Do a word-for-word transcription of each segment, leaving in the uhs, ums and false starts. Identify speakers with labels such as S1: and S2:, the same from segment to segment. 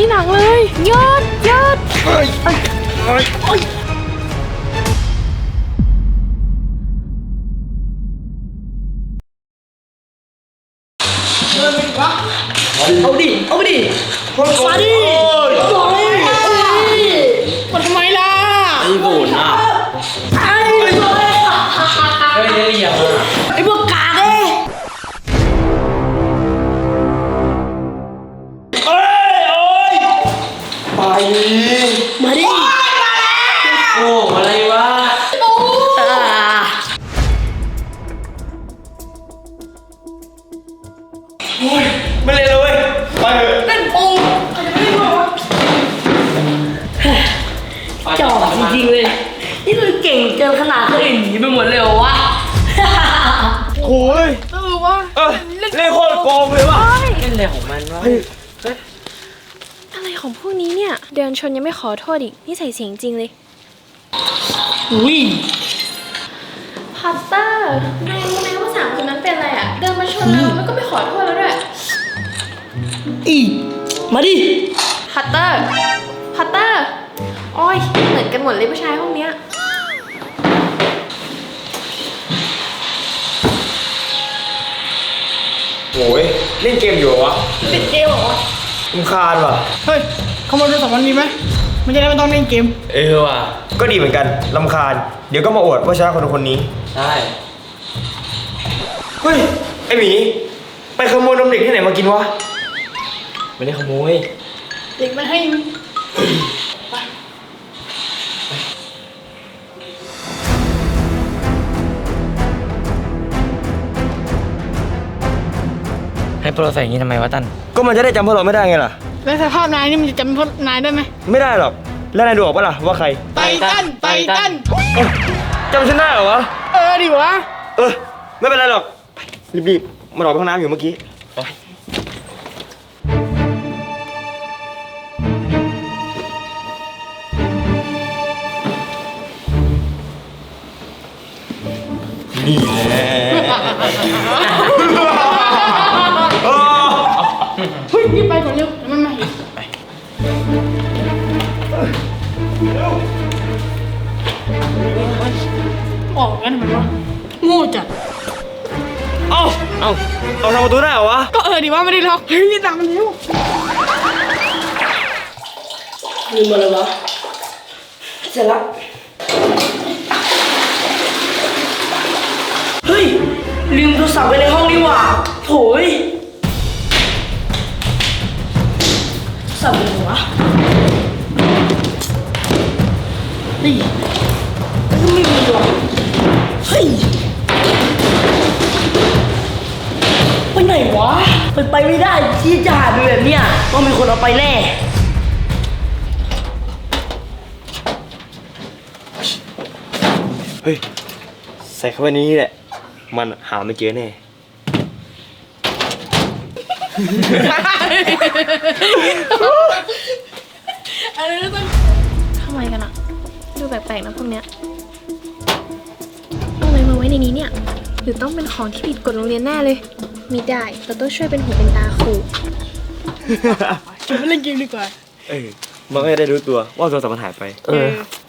S1: ที่หนังเลยหยุดหยุดเฮ้ยเฮ้ยเฮ้ยเฮ้ย
S2: เอาดิเอาดิมาดิมาทำไมล่ะไอ้โบนอ่ะไอ้โบนเฮ้ยเฮ้ยอย่าไอ้พวกกาเอ้ยเอ้ยโอ้ยไปมาดิโอ้อะไรวะไม่เลยเลยไปเถอะเล่นปูจอบจริงๆเลยนี่คือเก่งเกินขนาดคนอื่นหนีไปหมดเลยเหรอวะโอ้ยเออวะเออเล่นโคตรโกงเลยวะเล่นอะไรของมันวะ
S1: อะไรของพวกนี้เนี่ยเดินชนยังไม่ขอโทษอีกนี่ใส่เสียงจริงเลย
S2: อุ้ย
S1: พัตเตอร์นายรู้ไหมว่าสามคนนั้นเป็นอะไรอ่ะเดินมาชนเราแล้วก็ไม่ขอโทษแล้วด้วย
S2: อีมาดิ
S1: พัตเตอร์พัตเตอร์อ้อยเหมือนกันหมดเลยผู้ชายห้องเนี้ย
S3: โอ้ยเล่นเกมอยู่วะ
S2: เล่นเกมเหรอ
S3: รำคาญว่ะ
S2: เฮ้ยขโมยโทรศัพท์มันมีไหมมันจะได้ไม่ต้องเล่นเกม
S3: เออว่ะก็ดีเหมือนกันรำคาญเดี๋ยวก็มาอวดว่าชนะคนคนนี้
S2: ใช่
S3: เฮ้ยไอหมีไปขโมยนมเด็กที่ไหนมากินวะ
S2: ไม่ได้ขโมยเด็กมันให้ให้พวกเราใส่อย่างนี้ทำไมวะตั้น
S3: ก็มันจะได้จำพวกเราไม่ได้ไงล่ะ
S2: แล้วสภาพนายนี่มันจะจำพวกนายได้ไหม
S3: ไม่ได้หรอกแล้วนายดูออกปะล่ะว่าใคร
S2: ไตตันไตตัน
S3: จำฉันได้เหรอวะ
S2: เออดิวะ
S3: เออไม่เป็นไรหรอกรีบๆมาหลอกไปห้องน้ำอยู่เมื่อกี้นี่แหละ
S2: เฮ้ยนี่ไปก่อนเร็วมันมาเห็นไปออกงั้นมันวะโง่จัด
S3: เอ้าเอ้าเอาทำประตูได้เหรอวะ
S2: ก็เออดิว่าไม่ได้ล็อกเฮ้ยนี่ตามมันเร็วลืมมาเลยวะเสร็จแล้วเฮ้ยลืมโทรศัพท์ไว้ในห้องนี่หว่าโถยสับเลยวะนี่มันก็ไม่มีหรอกเฮ้ยไปไหนวะไปไปไม่ได้ที่จะหาดูแบบเนี้ยต้องมีคนเอาไปแน่
S3: เฮ้ยใส่เข้าไปนี้แหละมันหาไม่เจอแน่
S1: ทำไมกันอะดูแปลกๆนะพวกเนี้ยเอาอะไรมาไว้ในนี้เนี่ยหรือต้องเป็นของที่ผิดกฎโรงเรียนแน่เลยมีได้เราต้องช่วยเป็นหูเป็นตาครู
S2: จะไปเล่นเกมดีกว่า
S3: เออมันก็จะได้รู้ตัวว่าโทรศัพท์มันหายไป
S2: เออ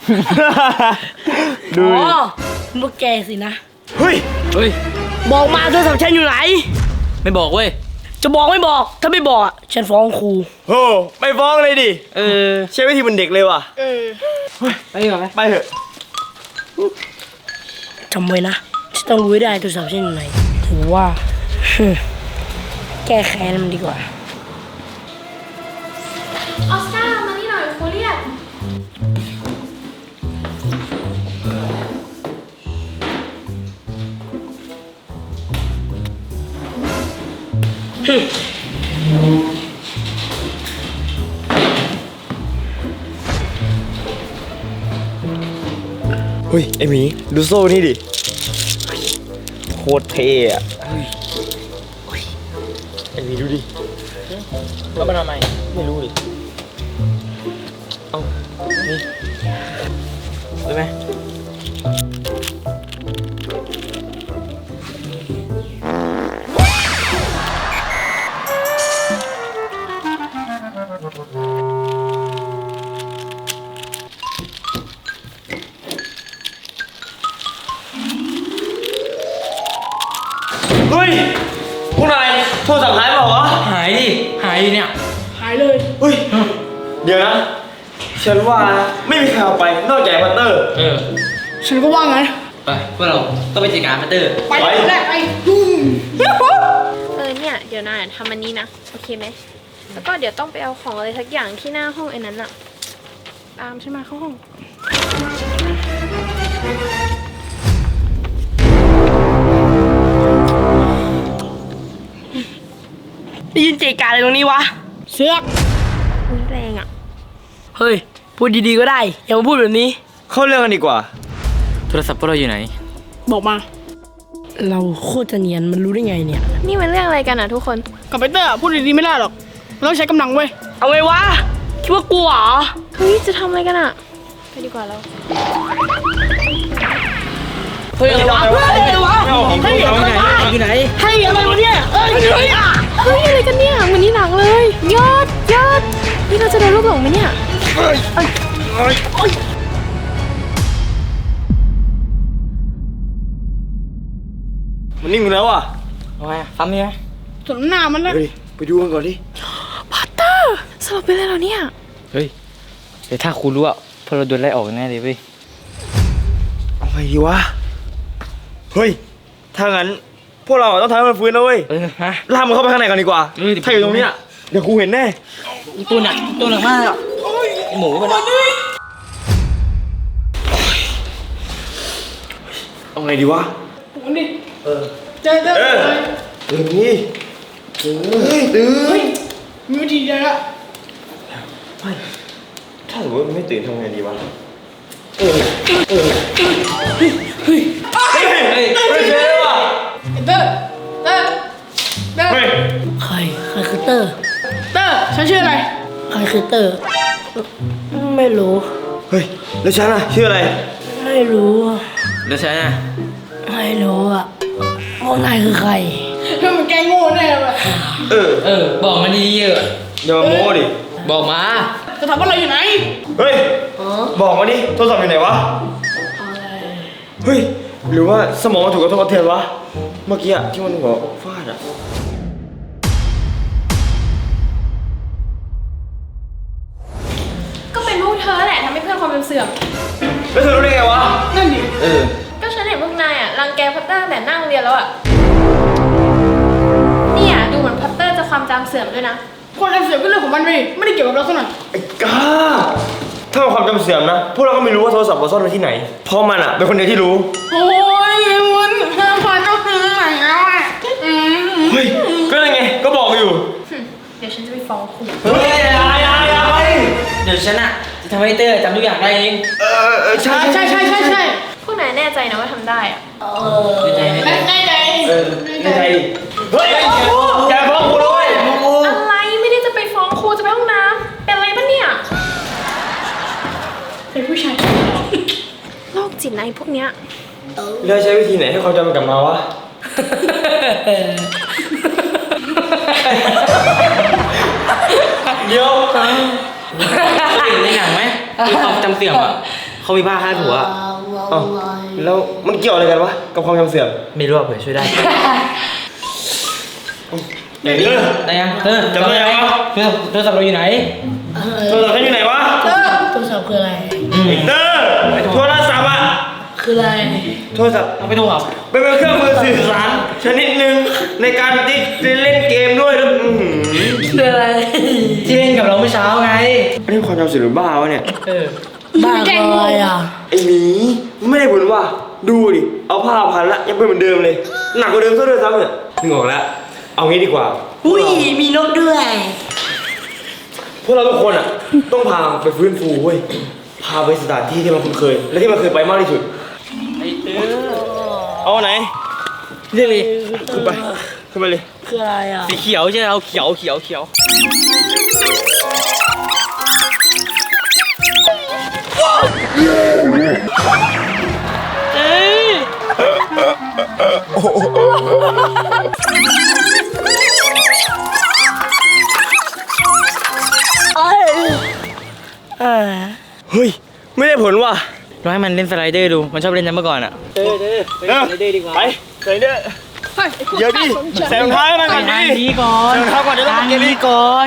S2: ดูอ๋อพวกแกสินะ
S3: เฮ้ย
S2: เฮ้ยบอกมาโทรศัพท์ฉันอยู่ไหนไม่บอกเว้ยจะบอกไม่บอกถ้าไม่บอกฉันฟ้องครู
S3: โอ้ไม่ฟ้องเลยดิ
S2: เออ
S3: ใช้วิธีเป็นเด็กเลยว่ะ
S2: เออไปก่อนไหม
S3: ไปเถอะ
S2: จำไว้นะฉันต้องรู้ให้ได้โทรศัพท์ฉันอยู่ไหนถือว่าแก้แค้นมันดีกว่า
S1: ออสการ์มานี่หน่อยครูเรียก
S3: เฮ้ยไอหมีดูโซ่นี่ดิโคตรเท่อะไอหมีดูดิ
S2: แล้วมันทำไม
S3: ไม่รู้ดิเอ้านี่ได้ไหม
S2: เนี่ย
S4: หายเลย
S3: เฮ้ย เดี๋ยวนะ ฉันว่านะไม่มีใครเอาไปนอกจากพัตเตอร์
S2: เออ
S4: ฉันก็ว่างั้น
S2: ไปพวกเราต้องไปจัดการพัตเตอร์
S4: ไป
S3: ไป
S4: แรกไปอืม
S1: เออเนี่ยเดี๋ยวนายทำอันนี้นะโอเคไหมแล้วก็เดี๋ยวต้องไปเอาของอะไรสักอย่างที่หน้าห้องไอ้นั้นอะตามฉันมาเข้าห้อง
S4: ได้ยินเจกาอะไรตรงนี้วะ เสือก
S1: อุ๊ยแรงอะ
S4: เฮ้ย พูดดีๆก็ได้ อย่ามาพูดแบบนี้
S3: เข้าเรื่องกันดีกว่า
S2: โทรศัพท์พวกเราอยู่ไหน
S4: บอกมา เราโคตรจะเนียนมันรู้ได้ไงเนี่ย
S1: นี่มันเรื่องอะไรกันอะทุกคน
S4: กับไปเตอร์พูดดีๆไม่ได้หรอกเราต้องใช้กำลังเว้ย เอาไงวะ คิดว่ากลัวเหรอ
S1: เฮ้ยจะทำอะไรกันอะไปดีกว่าเรา
S4: เฮ้ยอะไรวะเฮ้ยอะไรวะเฮ้ยอะไรวะ
S2: อยู่ไหน
S4: เฮ้ยอะไรวะเนี่ยเฮ้ยเฮ้ยอ่ะ
S1: เฮ้ยอะไรกันเนี่ยเหมือนนี่หนังเลย ยอดยอดนี่เราจะโดนลูกหลงไหมเนี่ย
S3: มันนิ่งไปแล้วอ่ะ
S2: เอาไงซ้ำยังไง
S4: สมหน้ามันนะ
S3: เฮ้ย ไปดูกันก่อนดิ
S1: พัตเตอร์สลบไปเลยเหรอเนี่ย
S2: เฮ้ยเดี๋ยวถ้าครูรู้อ่ะพวกเราโดนไล่ออกแน่เลยเว้ย
S3: เอาไงดีวะ เฮ้ย ถ้างั้น พวกเราต้องทำให้มันฟื้นนะเว้ย
S2: เออฮะ
S3: ลากมันเข้าไปข้างในก่อนดีกว่า
S2: เออเดี๋ยว
S3: ถ้าอยู่ตรงเนี้ยเดี๋ยวครูเห็นแน่
S2: ตัวหนักตัวหนักมากอ่ะไอ้หมูมันอะ
S3: เอาไงดีวะ
S4: ผมดิเออเจอเจอ
S3: เออตื่นนี่ตื่นเฮ้ยตื่น
S4: มีวิธีเดียวละ
S3: ถ้าสมมติมันไม่ตื่นทำไงดีวะ เออ เออ
S4: เฮ้ย
S3: เฮ้ยไม่เจอว่ะ
S4: เตอร์เตอร์เตอร์
S3: เฮ้ย
S5: ใคร ใครคือเตอร์
S4: เตอร์ฉันชื่ออะไร
S5: ใครคือเตอร์ ไม่รู้
S3: เฮ้ย แล้วฉันอะชื่ออะไร
S5: ไม่รู้อะ
S2: เดี๋ยวฉันอ่ะ
S5: ไม่รู้อ่ะพวกนายคือใคร
S4: เพื่อนมันแกล้งโง่แน่เลย
S3: เออ
S2: เออบอกมาดีเยอะ
S3: อย่ามาโม้ดิ
S2: บอกมา
S4: จะถามว่าเราอยู่ไหน
S3: เฮ้ย บอกมาดิ โทรศัพท์อยู่ไหนวะ เฮ้ย หรือว่าสมองมันถูกกระทบกระเทือนวะ เมื่อกี้อะที่มันหัวฟาดอะ
S1: ก็เป็นพวกเธอแหละทำให้เพื่อนความจำเสื่อม
S3: แล้วเธอรู้ได้ไงวะ
S4: นั่นดิ
S2: เออ
S1: ก็ฉันเห็นพวกนายอะรังแกพัตเตอร์ตั้งแต่นั่งเรียนแล้วอะเนี่ยดูเหมือนพัตเตอร์จะความจำเสื่อมด้วยนะ
S4: คนทำเสียก็เรื่องของมันไปดิไม่ได้เกี่ยวกับเราสักหน่อย
S3: ไอ้กาถ้ามันความจำเสื่อมนะ พวกเราก็ไม่รู้ว่าโทรศัพท์เราซ่อนไว้ที่ไหน เพราะมันอะเป็นคนเดียวที่รู้
S4: โอ้ยมันห้าพันต้องซื้อไหนแล้วอ่ะอืม
S3: เฮ้ย ก็เลยไง ก็บอกอยู่
S1: เดี๋ยวฉันจะไปฟ้องครู
S2: เฮ้ยอย่าอย่าอย่าไปเดี๋ยวฉันอ่ะจะทำให้เตอร์จำทุกอย่างได้เอง
S3: เออเออใช่
S4: ใช่ใช่ใช่ใช่
S1: พวกนายแน่ใจนะว่าทำได้อะ
S2: ไม่ใจไม่ใจ
S4: แน่ใจ
S3: เออในใจดิเฮ้ยอย่าฟ้องกูด้วย
S1: อะไรไม่ได้จะไปฟ้องครูจะไปห้องน้ำเป็นอะไรปะเนี่ย
S4: เป็นผู้ชาย
S1: โรคจิตนะไอ้พวกเนี้ย
S3: แล้วใช้วิธีไหนให้ความจำมันกลับมาวะ เดี๋ยว
S2: เห็นในหนังไหมที่ความจำเสื่อมอ่ะเขามีผ้าคาดหัวอะ
S3: อ้าวแล้วมันเกี่ยวอะไรกันวะ กับความจำเสื่อม
S2: ไม่รู้อ่ะเผื่อช่วยได้
S3: เดี๋ยว
S2: ได้ยังเออ
S3: จำได้ยังวะ
S2: เออโทรศัพท์เราอยู่ไหน
S3: โทรศัพท์ฉันอยู่ไหนวะ
S5: โทรศัพท์คืออะไร
S3: ไอ้เตอร์โทรศัพท์อะ
S5: คืออะไร
S3: โทรศัพท์
S2: เอาไปโทรศัพท์
S3: เป็นเครื่องมือสื่อสารชนิดหนึ่งในการที่เล่นเกมด้วยแล้วอื้อหือ
S5: คืออะไร
S2: ที่เล่นกับเราเมื่อเช้าไง
S3: อันนี้ความจำเสื่อมหรือบ้าวะเนี่ย
S2: เออ
S5: บ้าอะไรอ่ะ
S3: ไอ้หมีไม่ได้ผลว่ะดูดิ เอาผ้าพันละยังเป็นเหมือนเดิมเลย หนักกว่าเดิมซะด้วยซ้ำเนี่ยนึกออกแล้ว เอางี้ดีกว่า
S5: อุ้ย มีนกด้วย
S3: พวกเราทุกคนอ่ะ ต้องพาไปฟื้นฟูเว้ย พาไปสถานที่ที่มันคุ้นเคย และที่มันเคยไปมากที่สุด
S2: ไอ้เตอร์
S3: เอาไหน
S2: เรียกเลย
S3: ขึ้นไปขึ้นไปเลย
S5: คืออะไรอ่ะ
S2: สีเขียวใช่ไหมเอาเขียวเขียวเขียว
S3: เฮ้ย ไม่ได้ผลว่ะ
S2: ลองให้มันเล่นสไลเดอร์ดู มันชอบเล่นนั้นเมื่อก่อนอ่ะเตอร์เตอร์ไป
S3: เออ
S2: เล่นสไลเดอร์ดีกว่า
S3: ไปไหนเด้อ
S4: เฮ้ยไอ้พวก
S3: เดี๋ยวดิ
S4: ข้าสนใจ
S3: ใส่รองเท้าให้มันก่อน
S2: ทาง
S3: ดิ
S2: นี้ก่อน
S3: ใส่รองเท้าก่อนเดี๋ยวเรา
S2: ทาง
S3: เก็บอี
S2: นี้
S3: ก
S2: ก่อน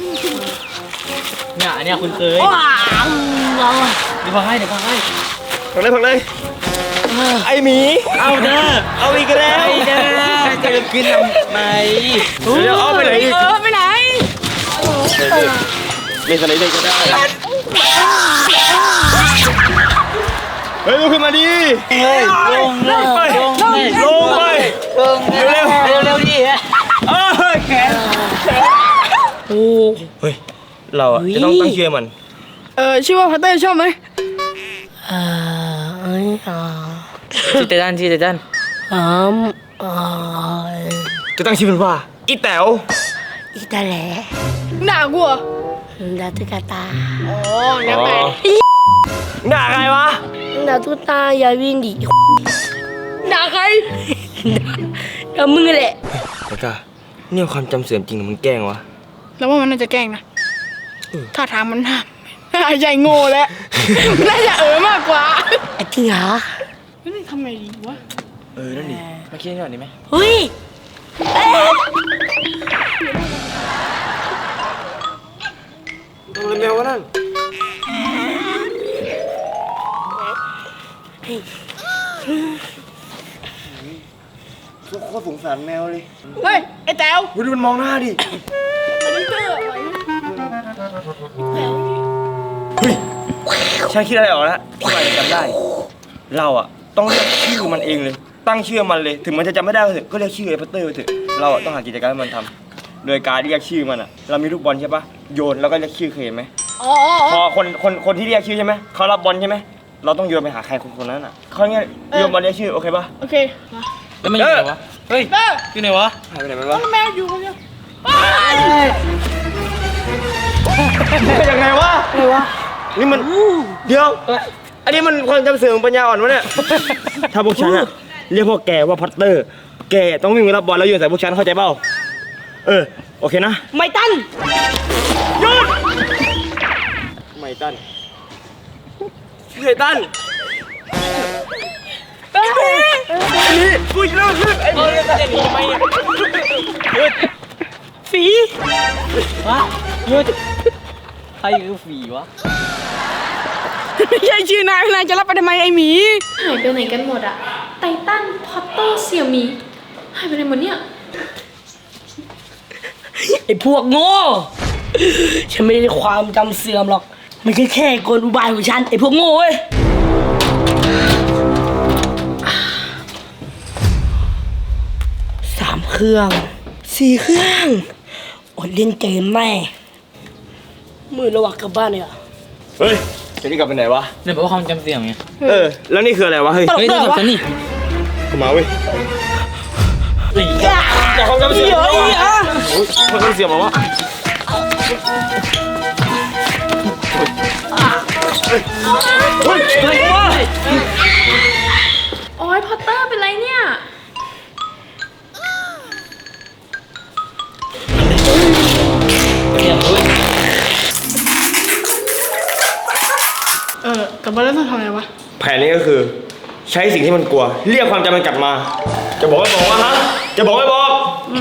S2: เนี่ยอันเนี้ยคุณเคย
S5: ว้าวเรา
S2: เดี๋ยวพอให้เดี๋ยวพอให้
S3: ผักเลยผักเลยไอหมี
S2: เอาเด้อ
S3: เอาอีกแล้ว
S2: ไปเด้อจะกินทำไม
S3: เดี๋ยวเอาไปไหนอีก
S4: เออไปไหน
S3: เล่นอะไรได้ก็ได้เฮ้ยลุกขึ้นมาดิ
S2: เฮ้ยลงเลยลงเลย
S3: ลงไป
S2: ลงเร็วเร็วเร็วดิ
S3: เอ้ยแขนโอ้เฮ้ยเราอะจะต้องตั้งชื่อมัน
S4: เออชื่อว่าพัตเตอร์ชอบไหม
S5: เอ่อเอ้ยอ่า
S2: ชื่อเตตันชื่อเตตัน
S5: อืมอ่า
S3: จะตั้งชื่อมันว่าอีแต๋ว
S5: อีตาแหล
S4: ด่ากูเหรอ
S5: ดาตุกตา
S4: อ๋อแล้วแต่
S3: ด่าใครวะ
S5: ดาตุตาอย่าวิ่งดิ
S4: ด่าใคร
S5: ดามึงแหละ
S3: ไอ้กาเนี่ยความจำเสื่อมจริงหรือมันแกล้งวะ
S4: แล้วว่ามันน่าจะแกล้งนะท่าทางมันน่าน่าใจโง่แล้วน่าจะเออมากกว่า
S5: ไอ้จริงเหรอ
S4: เฮ้ยทำไงดีวะ
S3: เออนั่นดิมาคิดหน่อยดีไหม
S5: เฮ้ยเอ๊ะ
S3: ทำอะไรแมววะนั่นโคตรสงสารแมวเลย
S4: เฮ้ยไอ้แต๋ว
S3: ดูมันมองหน้าดิ
S4: มันเจออะไร
S3: เฮ้ยฉันคิดอะไรออกแล้วที่มันจำได้ เราอะต้องเรียกชื่อมันเองเลย ตั้งชื่อมันเลย ถึงมันจะจำไม่ได้ก็เถอะก็เรียกชื่อไอ้พัตเตอร์ไปเถอะ เราอะต้องหากิจกรรมให้มันทำโดยการเรียกชื่อมันอะเรามีลูกบอลใช่ปะโยนแล้วก็เรียกชื่อเคยเห็นไหม
S4: อ๋อ
S3: พอคนคนคนที่เรียกชื่อใช่ไหมเขารับบอลใช่ไหมเราต้องโยนไปหาใครคนคนนั้นอ่ะเขาเงี้ยโยนบอลเรียกชื่อโอเคปะ
S4: โอเคมา
S2: แล้วมันอยู่ไหนวะเฮ้ย
S4: เออ
S2: อยู่ไหนวะ
S3: หายไปไหนมันวะ
S4: แมวอยู่คนเดียว
S3: ยังไงวะอะไรวะนี่มันเดี๋ยวอันนี้มันความจำเสื่อมปัญญาอ่อนวะเนี่ยถ้าพวกฉันอะเรียกพวกแกว่าพัตเตอร์ แกต้องวิ่งไปรับบอลแล้วโยนใส่พวกฉันเข้าใจเปล่าเออโอเคนะ
S5: ไม่ตัน
S3: หยุดไม่ตันไอ้ตันไอ้นี่กูอีกแล้วคือไอ้นี่
S2: จะหนีทำไมเนี่ย
S5: ฝี
S2: วะหยุดใครคือฝีวะ
S4: ไม่ใช่ชื่อนายนายจะรับไปทำไมไอ้หมี
S1: หายไปไหนกันหมดอะไททันพอตเตอร์เสี่ยวหมีหายไปไหนหมดเนี่ย
S5: ไอ้พวกโง่ฉันไม่ได้ความจำเสื่อมหรอกมันแค่แค่กลอุบายของฉันไอ้พวกโง่เว้ยสามเครื่องสี่เครื่องอดเล่นเกมแม่มือระหว่างกลับบ้านเนี่ย
S3: เฮ้ยจะนี่กลับไปไหนวะ
S2: เนี่ยบอกว่าความจำเสื่อมไง
S3: เออ แล้วนี่คืออะไรวะ เฮ้ย
S2: เฮ้ยโทรศัพท์ฉันนี่
S3: เข้ามาเว้ย
S2: เฮ้ย
S3: อย่าความจำเสื่อมนะวะโอ้ยความจำเสื่อมมาวะเฮ้ยเฮ้ย
S1: โอ้ยพอตเตอร์เป็นไรเนี่ย
S2: เรียบร้อย
S4: เออกลับบ้านแล้วต้องทำอะไรวะ
S3: แผนนี้ก็คือ ใช้สิ่งที่มันกลัว เรียกความจำมันกลับมา จะบอกไม่บอกวะฮะ จะบอกไม่บอก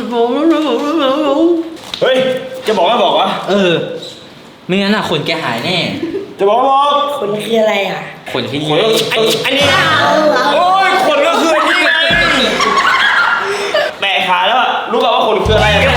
S3: เฮ้ย จะบอกไม่บอกวะ
S2: เออไม่งั้นอ่ะขนแกหายแน่
S3: จะบอกไม่บอก
S5: คนคืออะไรอ่ะ
S2: ขนที่
S3: ขนก็ไอ้อันนี้โอ้ยขนก็คืออันนี้ไงแปะขาแล้วอะรู้ป่าวว่าขนคืออะไรอะ